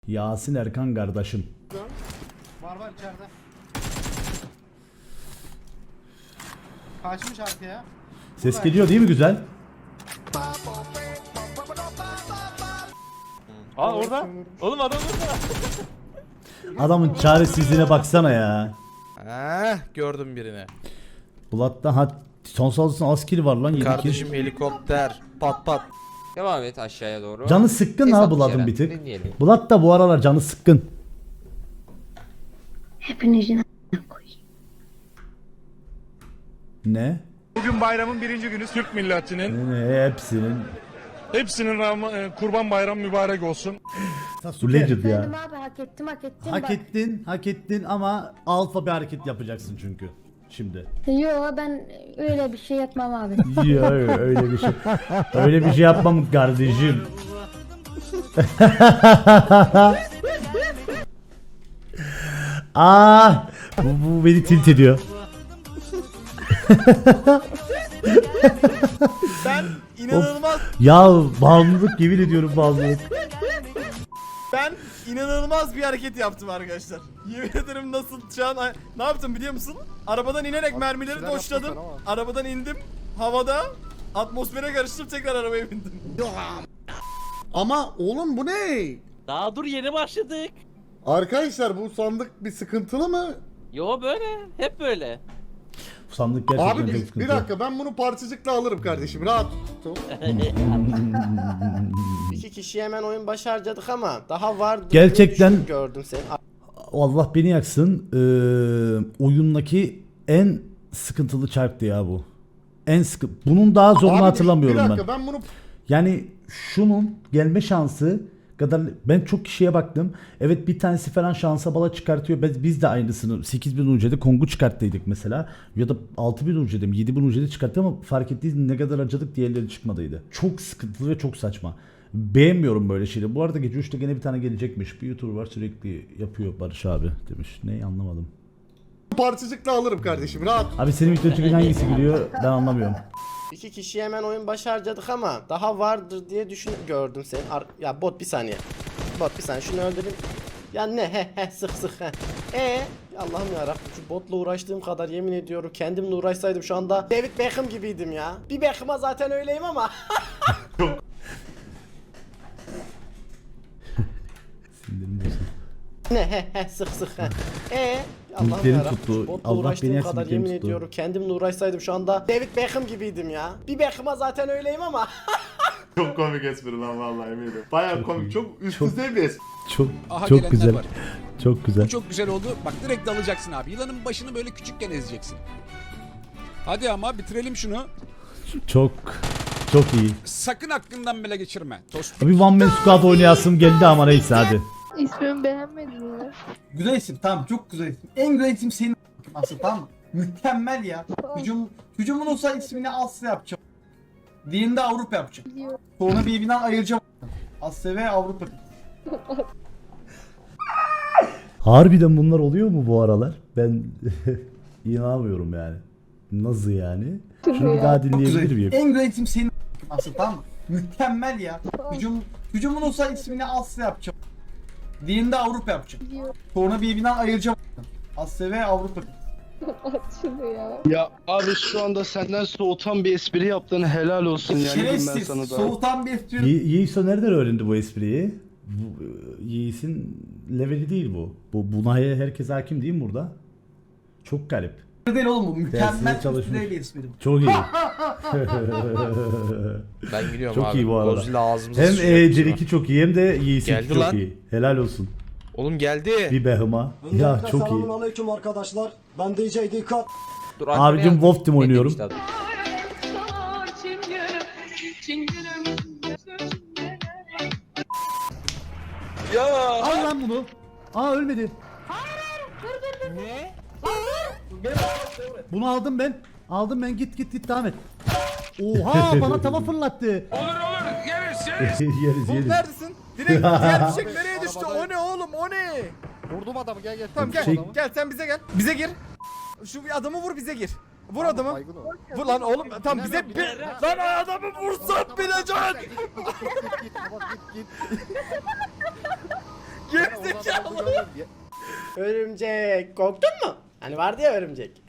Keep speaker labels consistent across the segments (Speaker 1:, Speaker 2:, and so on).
Speaker 1: Yasin Erkan kardeşim.
Speaker 2: Var içeride. Kaçmış arkaya.
Speaker 1: Ses geliyor değil mi güzel?
Speaker 3: Aa orada. Oğlum adam orada.
Speaker 1: Adamın çaresizliğine baksana ya.
Speaker 4: Gördüm birini.
Speaker 1: Bulat'ta son saldırısında az kill var lan 7 kill.
Speaker 4: Kardeşim helikopter. Pat pat.
Speaker 5: Devam et aşağıya doğru.
Speaker 1: Canı sıkkın ha
Speaker 5: Hesap
Speaker 1: Bulat'ın
Speaker 5: içeren.
Speaker 1: bir tık.
Speaker 5: Dinleyelim.
Speaker 1: Bulat da bu aralar canı sıkkın.
Speaker 6: Hepinizin a**ına koyayım.
Speaker 1: Ne?
Speaker 7: Bugün bayramın birinci günü Türk milletinin.
Speaker 1: Hepsinin
Speaker 7: Kurban Bayramı mübarek olsun.
Speaker 1: bu legend ya.
Speaker 6: Efendim abi hak ettim.
Speaker 1: Hak ettin ama alfa bir hareket yapacaksın çünkü. Şimdi.
Speaker 6: Yo ben öyle bir şey yapmam abi.
Speaker 1: Ya öyle bir şey. Öyle bir şey yapmam kardeşim. Bu beni tilt ediyor.
Speaker 4: Ben inanılmaz
Speaker 1: Ya bağımlılık, yemin ediyorum bağımlılık.
Speaker 4: ben inanılmaz bir hareket yaptım arkadaşlar. Yemin ederim nasıl şu an ne yaptım biliyor musun? Arabadan inerek mermileri doşladım. Arabadan indim havada atmosfere karıştım tekrar arabaya bindim.
Speaker 2: Ama oğlum bu ne?
Speaker 3: Daha dur yeni başladık.
Speaker 2: Arkadaşlar bu sandık bir sıkıntılı mı?
Speaker 3: Yo böyle. Hep böyle.
Speaker 1: Bu sandık gerçekten
Speaker 2: Abi
Speaker 1: çok
Speaker 2: bir
Speaker 1: sıkıntı.
Speaker 2: dakika ben bunu parçacıkla alırım kardeşim rahat tut.
Speaker 8: İki kişi hemen oyun başarcadık ama daha vardı.
Speaker 1: Gerçekten-
Speaker 8: gördüm seni.
Speaker 1: Allah beni yaksın. Oyundaki en sıkıntılı çarptı ya bu. En sıkı. Bunun daha zorunu
Speaker 2: Abi
Speaker 1: hatırlamıyorum
Speaker 2: bir
Speaker 1: ben.
Speaker 2: dakika ben bunu
Speaker 1: Yani şunun gelme şansı kadar ben çok kişiye baktım. Evet bir tanesi falan şansa bala çıkartıyor. Biz de aynısını 8000 UC'de Kong'u çıkarttıydık mesela. Ya da 6000 UC'de mi 7000 UC'de çıkarttı ama fark ettiğiniz ne kadar acıdık diğerleri çıkmadıydı. Çok sıkıntılı ve çok saçma. Beğenmiyorum böyle şeyleri. Bu arada gece 3'te gene bir tane gelecekmiş. Bir YouTuber var sürekli yapıyor Barış abi demiş. Ne anlamadım.
Speaker 2: parçacıkla alırım kardeşim rahat.
Speaker 1: Abi senin video çıkınca hangisi gülüyor ben anlamıyorum.
Speaker 8: İki kişi hemen oyun başarcadık ama daha vardır diye gördüm seni. Ya bot bir saniye. Bot bir saniye şunu öldüreyim. Ya ne sık Allah'ım yarabbim şu botla uğraştığım kadar yemin ediyorum kendimle uğraşsaydım şu anda David Beckham gibiydim ya. Bir Beckham'a zaten öyleyim ama.
Speaker 1: Sinirim bozuldu.
Speaker 8: Ne sık Allah'ım
Speaker 1: Ümitlerim
Speaker 8: yarabbim
Speaker 1: tuttu.
Speaker 8: şu botla
Speaker 1: Allah beni
Speaker 8: uğraştığım
Speaker 1: yaksın,
Speaker 8: kadar
Speaker 1: ümitlerim
Speaker 8: yemin
Speaker 1: tuttu.
Speaker 8: ediyorum kendimle uğraşsaydım şu anda David Beckham gibiydim ya. Bir Beckham'a zaten öyleyim ama.
Speaker 7: Çok komik espri lan vallahi eminim. Bayağı komik. Çok üst düzey bir espri.
Speaker 1: Çok güzel. Çok güzel.
Speaker 9: Çok güzel oldu. Bak direkt dalacaksın abi. Yılanın başını böyle küçükken ezeceksin. Hadi ama bitirelim şunu.
Speaker 1: Çok iyi.
Speaker 9: Sakın aklından bile geçirme. Tost.
Speaker 1: Bir One Man Squad oynayasım geldi ama neyse hadi.
Speaker 6: İsmimi beğenmedin mi?
Speaker 10: Güzel isim tamam çok güzel isim. En güzel isim senin aslında tamam mı? Mükemmel ya. Hücumun olsa ismini Asya yapacağım. Diğerini de Avrupa yapacağım. Sonra birbirinden ayıracağım. Asya ve Avrupa.
Speaker 1: Harbiden bunlar oluyor mu bu aralar? Ben inanamıyorum yani. Nasıl yani? Şunu bir daha
Speaker 10: Çok güzel.
Speaker 1: dinleyebilir miyim?
Speaker 10: En güzel isim senin aslında tamam mı? Mükemmel ya. Hücumun olsa ismini Asya yapacağım. Diğerini de Avrupa yapacağım. Sonra birbirinden ayıracağım. Asya ve Avrupa.
Speaker 11: Ya abi şu anda senden soğutan bir espri yaptığını helal olsun yani diyeyim ben
Speaker 10: Şerefsiz.
Speaker 11: sana da.
Speaker 10: Soğutan bir espri.
Speaker 1: Yiğiso nereden öğrendi bu espriyi? Yiğis'in leveli değil bu. Buna herkes hakim değil mi burada? Çok garip.
Speaker 10: Değil oğlum bu. Mükemmel
Speaker 1: Dersine çalışmış.
Speaker 10: üstüne bir espri bu.
Speaker 1: Çok iyi.
Speaker 4: Ben gidiyorum
Speaker 1: Çok
Speaker 4: abi.
Speaker 1: iyi bu arada.
Speaker 4: Godzilla ağzımıza
Speaker 1: Hem
Speaker 4: sıçacak
Speaker 1: C2 çok iyi hem de Yiğis'in
Speaker 4: Geldi
Speaker 1: çok
Speaker 4: lan.
Speaker 1: iyi. Helal olsun.
Speaker 4: Oğlum geldi.
Speaker 1: Bir behıma. Ya çok iyi.
Speaker 11: Aleyküm arkadaşlar. Ben DJ Dikkat.
Speaker 5: Dur,
Speaker 1: Abicim Wolf Team oynuyorum.
Speaker 5: Ne demişti adam?
Speaker 1: Al lan bunu. Ölmedi.
Speaker 5: Ne?
Speaker 1: Bunu aldım ben. Git devam et. Oha bana tava fırlattı.
Speaker 7: Olur yeriz
Speaker 1: yeriz.
Speaker 4: Neredesin? Direkt diğer fişek nereye düştü? O ne oğlum o ne?
Speaker 2: Vurdum adamı gel.
Speaker 4: Tamam gel.
Speaker 1: Şey-
Speaker 4: Gel sen bize gel. Bize gir. Şu bir adamı vur bize gir. Vur adamı. Vur lan oğlum. Tamam bize lan adamı vursan bileceksin. Gir.
Speaker 8: Örümcek. Korktun mu? Hani vardı ya örümcek.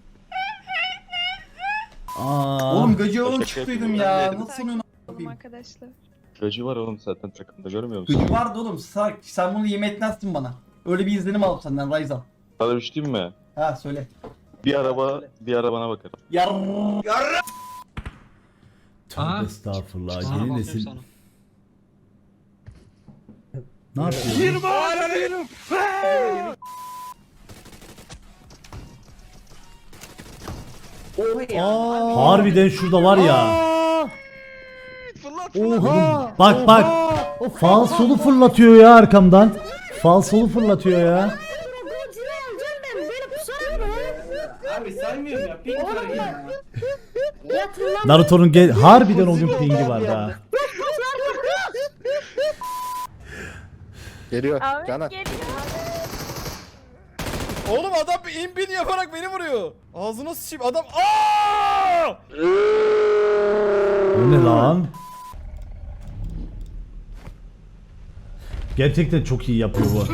Speaker 1: Aa.
Speaker 10: Oğlum gacı oğlum çıktıydım ya. Nasıl sonunu
Speaker 6: Arkadaşlar.
Speaker 11: Gacı var oğlum zaten takımda görmüyor musun?
Speaker 10: Gacı vardı oğlum. Sen bunu yeme etmezsin bana. Öyle bir izlenim aldım senden Ryzen.
Speaker 11: Sana bir şey diyeyim mi?
Speaker 10: Ha söyle.
Speaker 11: Bir arabana bakarım.
Speaker 1: Tövbe estağfurullah. Yeni nesil. Ne yapıyorsun? Harbiden şurada var ya. Oha. Bak bak. Falsolu fırlatıyor ya arkamdan. Falsolu fırlatıyor ya.
Speaker 10: Abi saymıyorum ya. Pink
Speaker 1: Naruto'nun harbiden o gün pingi vardı ha.
Speaker 2: Geliyor. Caner.
Speaker 4: Oğlum adam bir inbin yaparak beni vuruyor. Ağzına sıçayım adam. Aa!
Speaker 1: O ne lan? Gerçekten çok iyi yapıyor bu.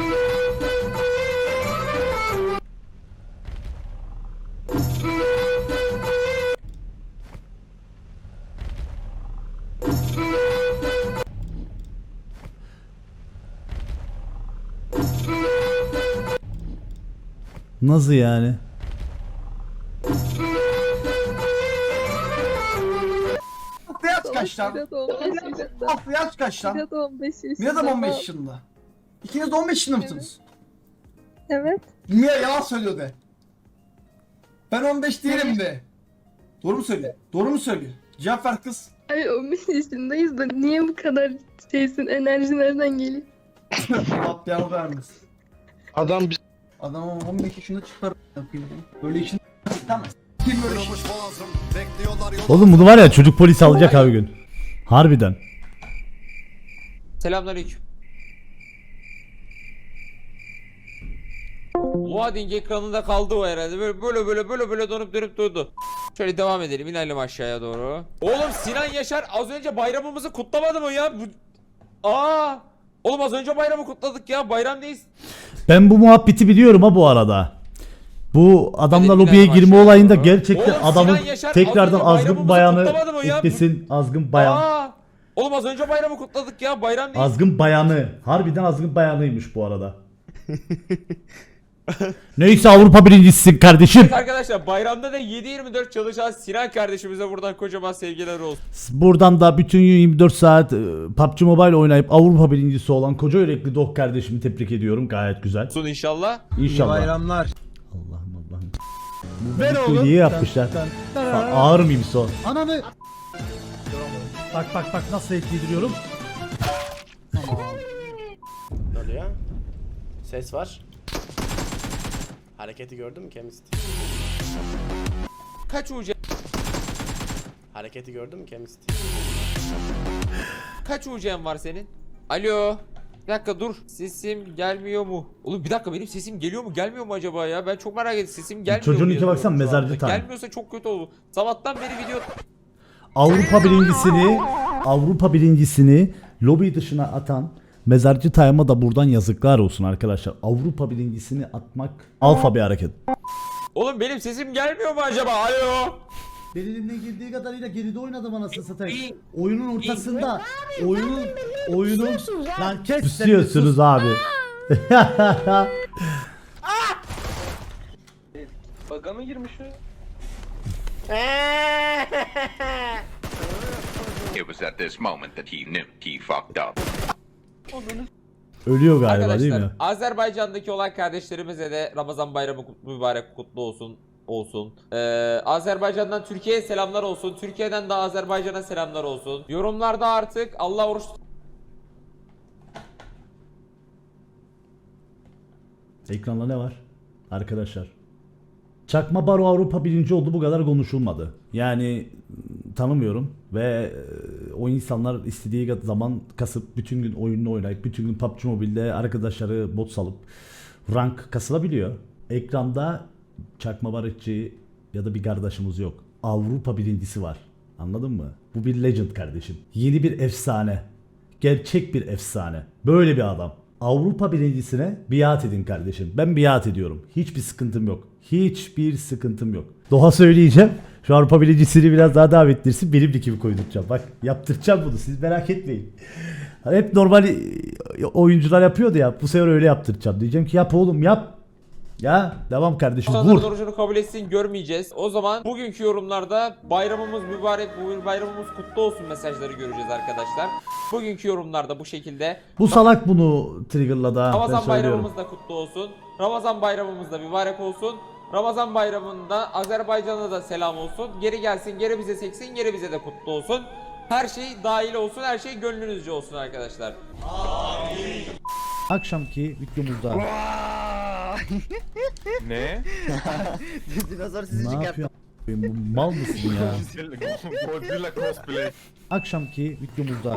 Speaker 1: Nasıl yani?
Speaker 10: yaş kaç lan? Aslı yaş kaç lan?
Speaker 6: 15 yaşında.
Speaker 10: Mira da 15 yaşında. İkiniz de 15 yaşında mısınız?
Speaker 6: Evet.
Speaker 10: Mira yalan söylüyor de. Ben 15 değilim de. Doğru mu söyle? Doğru mu söylüyor? Cevap ver kız.
Speaker 6: Ay 15 yaşındayız da niye bu kadar şeysin, enerji nereden geliyor?
Speaker 10: Allah beyanı vermesin.
Speaker 11: Adam biz...
Speaker 10: Adam 15 yaşında çıkar. Böyle işin tamam. Kim böyle şey?
Speaker 1: Oğlum bunu var ya çocuk polis alacak abi gün. Harbiden.
Speaker 5: Selamünaleyküm. Loading ekranında kaldı o herhalde. Böyle donup dönüp durdu. Şöyle devam edelim. İnelim aşağıya doğru. Oğlum Sinan Yaşar az önce bayramımızı kutlamadı mı ya? Oğlum az önce bayramı kutladık ya. Bayramdayız.
Speaker 1: Ben bu muhabbeti biliyorum ha bu arada. Bu adamla
Speaker 5: Hadi
Speaker 1: lobiye
Speaker 5: binelim
Speaker 1: girme
Speaker 5: aşağıya
Speaker 1: olayında
Speaker 5: doğru.
Speaker 1: gerçekten
Speaker 5: Oğlum
Speaker 1: adamın
Speaker 5: Sinan Yaşar
Speaker 1: tekrardan
Speaker 5: az önce
Speaker 1: azgın
Speaker 5: bayramımızı
Speaker 1: bayanı
Speaker 5: kutlamadı mı ya?
Speaker 1: eklesin. Azgın bayan.
Speaker 5: Oğlum az önce bayramı kutladık ya. Bayramdayız.
Speaker 1: Azgın bayanı. Harbiden azgın bayanıymış bu arada. Neyse Avrupa birincisisin kardeşim.
Speaker 5: Evet arkadaşlar bayramda da 7/24 çalışan Sinan kardeşimize buradan kocaman sevgiler olsun.
Speaker 1: Buradan da bütün gün 24 saat PUBG Mobile oynayıp Avrupa birincisi olan koca yürekli Dog kardeşimi tebrik ediyorum. Gayet güzel.
Speaker 5: Olsun inşallah.
Speaker 1: İnşallah.
Speaker 10: Bayramlar.
Speaker 1: Allah'ım. Bu niye yapmışlar? Ağır mıyım son? Ananı. Bak nasıl etkilendiriyorum.
Speaker 8: Ne oluyor? Ses var. Hareketi gördün mü Kemist?
Speaker 5: Kaç UC?
Speaker 8: Hareketi gördün mü Kemist?
Speaker 5: Kaç UC'n var senin? Alo. Bir dakika dur. Sesim gelmiyor mu? Oğlum bir dakika benim sesim geliyor mu gelmiyor mu acaba ya? Ben çok merak ettim. Sesim gelmiyor
Speaker 1: Çocuğun
Speaker 5: mu
Speaker 1: iki
Speaker 5: yazıyor
Speaker 1: baksan
Speaker 5: şu
Speaker 1: mezarcı
Speaker 5: anda.
Speaker 1: tane.
Speaker 5: Gelmiyorsa çok kötü oldu. Sabahtan beri video...
Speaker 1: Avrupa birincisini lobi dışına atan Mezarcı Time'a da buradan yazıklar olsun arkadaşlar. Avrupa birincisini atmak alfa bir hareket.
Speaker 5: Oğlum benim sesim gelmiyor mu acaba? Alo.
Speaker 1: Benim girdiği kadarıyla geride oynadım anasını satayım. Oyunun ortasında. Oyunun lan kes. Pusuyorsunuz abi.
Speaker 3: Baga mı girmiş o?
Speaker 12: It was at this moment that he knew he fucked up.
Speaker 1: Ölüyor galiba değil mi?
Speaker 5: Arkadaşlar Azerbaycan'daki olan kardeşlerimize de Ramazan bayramı mübarek kutlu olsun. Azerbaycan'dan Türkiye'ye selamlar olsun. Türkiye'den de Azerbaycan'a selamlar olsun. Yorumlarda artık Allah oruç
Speaker 1: Ekranda ne var? Arkadaşlar. Çakma Baro Avrupa birinci oldu, bu kadar konuşulmadı. Yani tanımıyorum ve o insanlar istediği zaman kasıp bütün gün oyununu oynayıp bütün gün PUBG Mobile'de arkadaşları bot salıp rank kasılabiliyor. Ekranda Çakma Barışçı ya da bir kardeşimiz yok. Avrupa birincisi var. Anladın mı? Bu bir legend kardeşim. Yeni bir efsane. Gerçek bir efsane. Böyle bir adam. Avrupa birincisine biat edin kardeşim. Ben biat ediyorum. Hiçbir sıkıntım yok. Hiçbir sıkıntım yok. Doğa söyleyeceğim. Şu Avrupa birincisini biraz daha davet ettirsin. Benim ligimi koyduracağım. Bak yaptıracağım bunu. Siz merak etmeyin. Hani hep normal oyuncular yapıyordu ya. Bu sefer öyle yaptıracağım. Diyeceğim ki yap oğlum yap. Ya devam kardeşim
Speaker 5: İnsanların
Speaker 1: vur.
Speaker 5: orucunu kabul etsin, görmeyeceğiz. O zaman bugünkü yorumlarda bayramımız mübarek, bu bayramımız kutlu olsun mesajları göreceğiz arkadaşlar. Bugünkü yorumlarda bu şekilde.
Speaker 1: Bu salak bunu triggerladı ha. Ben
Speaker 5: Ramazan
Speaker 1: söylüyorum.
Speaker 5: bayramımız da kutlu olsun. Ramazan bayramımız da mübarek olsun. Ramazan bayramında Azerbaycan'a da selam olsun. Geri gelsin, geri bize seksin, geri bize de kutlu olsun. Her şey dahil olsun, her şey gönlünüzce olsun arkadaşlar.
Speaker 1: Akşamki videomuzda
Speaker 7: Ne?
Speaker 8: Dinozor
Speaker 1: ne yapıyor? Bu mal mısın ya?
Speaker 7: Godzilla cosplay.
Speaker 1: Akşamki videomuzda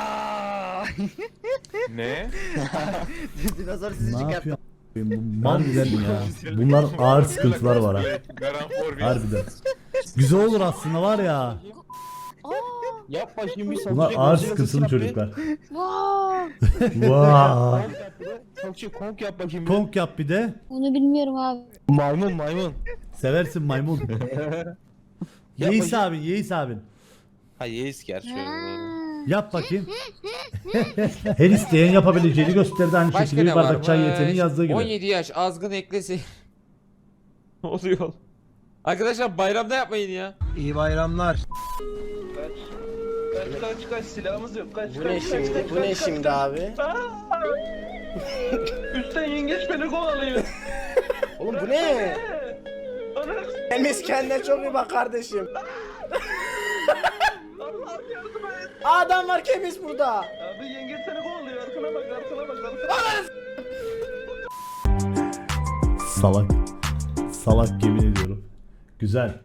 Speaker 7: Ne?
Speaker 8: Dinozor
Speaker 1: ne yapıyor? Bu mal mısın ya? Bunlar ağır sıkıntılar var ha. Harbiden. Güzel olur aslında var ya.
Speaker 11: Yap bakayım bir
Speaker 1: Bunlar ağır sıkıntılı çocuklar. Vaa.
Speaker 11: Konk yap bakayım.
Speaker 1: Konk yap bir de.
Speaker 6: Onu bilmiyorum abi.
Speaker 11: Maymun.
Speaker 1: Seversin maymun. Yeis abin, Yeis abin.
Speaker 11: Ha yeis gerçi.
Speaker 1: Yap bakayım. Her isteyen yapabileceğini gösterdi aynı
Speaker 5: Başka
Speaker 1: şekilde bir
Speaker 5: ne
Speaker 1: bardak
Speaker 5: var?
Speaker 1: çay yeteneği yazdığı gibi.
Speaker 5: 17 yaş azgın eklesi. Ne oluyor? Arkadaşlar bayramda yapmayın ya.
Speaker 10: İyi bayramlar.
Speaker 3: Kaç silahımız yok. Kaç
Speaker 8: Bu ne şimdi? Bu ne şimdi abi?
Speaker 3: Üstten yengeç beni kovalıyor.
Speaker 8: Oğlum bu ne? Enes kendine çok iyi bak kardeşim. Adam var Kemis burada.
Speaker 3: Abi yengeç seni kovalıyor. Arkana bak.
Speaker 1: Salak. Salak yemin ediyorum. Güzel.